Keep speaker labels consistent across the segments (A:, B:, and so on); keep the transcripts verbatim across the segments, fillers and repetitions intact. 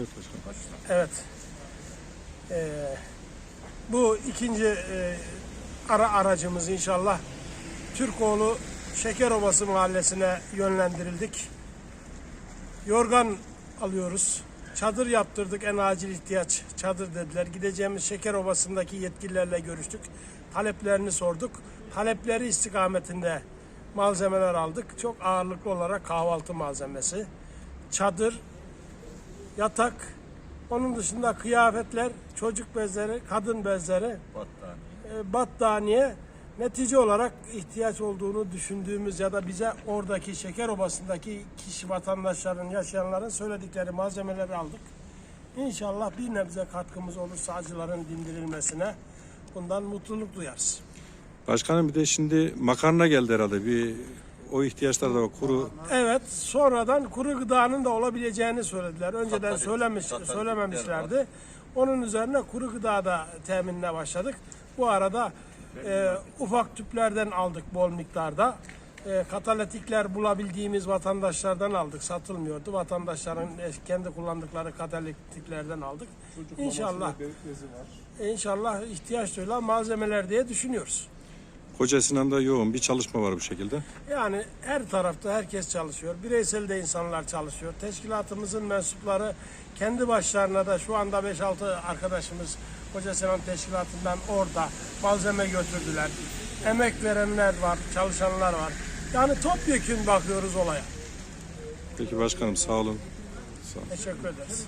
A: Evet başkanım.
B: Evet. Ee, bu ikinci e, ara aracımız inşallah Türkoğlu Şekerobası mahallesine yönlendirildik. Yorgan alıyoruz. Çadır yaptırdık, en acil ihtiyaç çadır dediler. Gideceğimiz Şekerobası'ndaki yetkililerle görüştük. Taleplerini sorduk. Talepleri istikametinde malzemeler aldık. Çok ağırlıklı olarak kahvaltı malzemesi, çadır, yatak, onun dışında kıyafetler, çocuk bezleri, kadın bezleri, battaniye. E, battaniye. Netice olarak ihtiyaç olduğunu düşündüğümüz ya da bize oradaki Şekerobası'ndaki kişi vatandaşların, yaşayanların söyledikleri malzemeleri aldık. İnşallah bir nebze katkımız olursa acıların dindirilmesine bundan mutluluk duyarız.
A: Başkanım bir de şimdi makarna geldi herhalde. Bir o ihtiyaçlar da var. Kuru.
B: Evet, sonradan kuru gıdanın da olabileceğini söylediler. Önceden söylemiş, söylememişlerdi. Onun üzerine kuru gıda da teminine başladık. Bu arada e, ufak tüplerden aldık bol miktarda. E, katalitikler bulabildiğimiz vatandaşlardan aldık. Satılmıyordu. Vatandaşların kendi kullandıkları katalitiklerden aldık. İnşallah, inşallah ihtiyaç duyulan malzemeler diye düşünüyoruz.
A: Koca Sinan'da yoğun bir çalışma var bu şekilde.
B: Yani her tarafta herkes çalışıyor. Bireysel de insanlar çalışıyor. Teşkilatımızın mensupları kendi başlarına da şu anda beş altı arkadaşımız Koca Sinan Teşkilatı'ndan orada malzeme götürdüler. Emek verenler var, çalışanlar var. Yani topyekün bakıyoruz olaya.
A: Peki başkanım sağ olun. Sağ olun.
B: Teşekkür ederiz.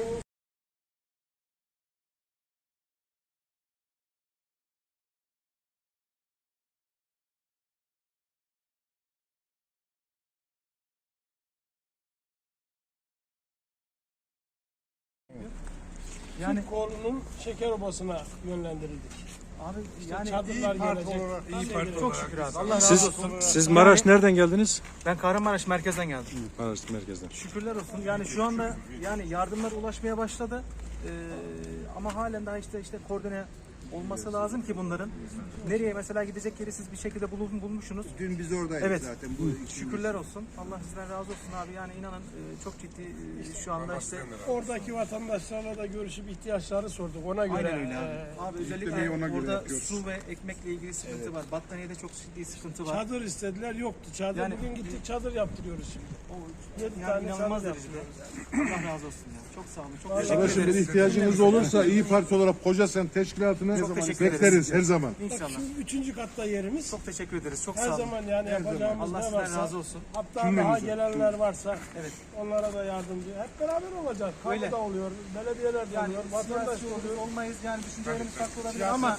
B: Yani Türkoğlu'nun Şekerobası'na yönlendirildik.
C: Abi
B: İşte
C: yani
B: çadırlar
C: iyi parti
B: gelecek.
C: olarak,
B: iyi
C: parti çok şükür abi. Allah razı
A: Siz,
C: olsun.
A: siz Maraş nereden geldiniz?
C: Ben Kahramanmaraş merkezden geldim.
A: Maraş merkezden.
C: Şükürler olsun. Yani şu anda yani yardımlar ulaşmaya başladı. Ee, ama halen daha işte işte koordine olması lazım ki bunların. Nereye mesela gidecek yeri siz bir şekilde bulun, bulmuşsunuz.
D: Dün biz oradaydık
C: Evet.
D: zaten. Bu
C: Şükürler olsun. Allah sizden razı olsun abi. Yani inanın e, çok ciddi e, şu anda işte
B: Oradaki vatandaşlarla da görüşüp ihtiyaçları sorduk. Ona göre
C: aynen öyle abi.
B: e,
C: Abi özellikle
D: yüklemeyi ona göre
C: orada
D: yapıyoruz.
C: su ve ekmekle ilgili sıkıntı var. Battaniyede çok ciddi sıkıntı var.
B: çadır istediler, yoktu. Çadır
C: Yani-
B: bugün gittik, çadır yaptırıyoruz şimdi.
C: O,
B: Yedi
C: yani
B: tane
C: inanılmaz
B: çadır
C: derecede. Allah razı olsun ya. Çok sağ olun. Çok teşekkür
D: Arkadaşlar bir
C: ederiz.
D: ihtiyacınız olursa İyi Parti olarak Koca Sen Teşkilatı'nı
C: Çok teşekkür ederiz.
D: bekleriz her zaman.
B: Bak
C: İnşallah.
B: şu üçüncü katta yerimiz.
C: Çok teşekkür ederiz. Çok
B: Her
C: sağ olun.
B: zaman yani yapacağımız
C: Allah
B: ne
C: sizden
B: varsa,
C: razı olsun.
B: hatta daha gelenler varsa
C: Evet.
B: onlara da yardımcı. Hep beraber olacak.
C: Öyle.
B: Kamu da oluyor, belediyeler de
C: Yani
B: oluyor, vatandaş
C: siyasi
B: da oluyor.
C: olmayız yani düşüncelerimiz farklı olabilir ama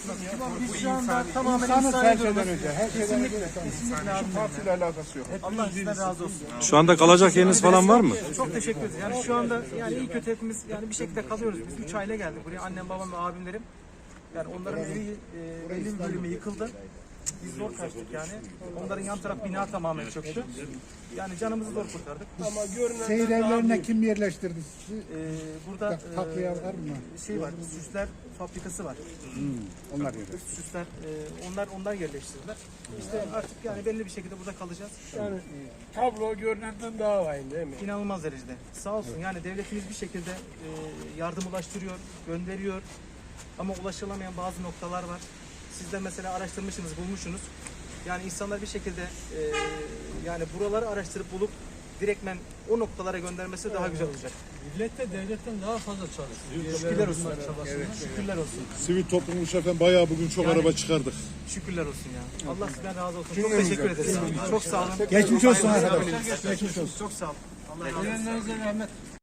D: Bu
C: biz şu anda tamamen
D: insanız
C: insan
D: her
C: ediyoruz.
D: şeyden önce. Her şeyden önce.
C: Kesinlikle, kesinlikle abi.
D: Partiyle alakası yok.
C: Allah sizden razı olsun.
A: Şu anda kalacak yeriniz falan var mı?
C: Çok teşekkür ederiz. Yani şu anda yani iyi kötü hepimiz yani bir şekilde kalıyoruz. Biz üç aile geldik buraya. Annem, babam ve abimlerim. Yani onların evi e, belli bir bölümü yıkıldı. Biz zor kaçtık yani. Onların yan taraf bina tamamen çöktü. Yani canımızı zor kurtardık.
B: Ama görünenler
E: Seyir
B: daha
E: evlerine
B: büyük.
E: kim yerleştirdi sizi?
C: Ee, burada e,
E: Tatlıya var mı?
C: şey var, süsler fabrikası var.
E: Onlar yeri.
C: Süsler, e, onlar onlar yerleştirdiler. İşte artık yani belli bir şekilde burada kalacağız.
B: Yani tablo görünenden daha vahim değil mi?
C: İnanılmaz derecede. Sağ olsun yani devletimiz bir şekilde e, yardım ulaştırıyor, gönderiyor. Ama ulaşılamayan bazı noktalar var. Siz de mesela araştırmışsınız, bulmuşsunuz. Yani insanlar bir şekilde e, yani buraları araştırıp bulup direktmen o noktalara göndermesi daha güzel olacak.
F: Millet de devletten daha fazla çalışıyor.
C: Şükürler olsun. Şükürler olsun.
D: Sivil toplum şefen bayağı bugün çok
C: Yani-
D: araba çıkardık.
C: Şükürler olsun ya. Allah sizden razı olsun. Çok teşekkür ederiz. Çok sağ olun.
E: Geçmiş olsun arkadaşlar. Geçmiş olsun.
C: Çok sağ olun. Allah razı olsun.
F: Ölenlerinize rahmet.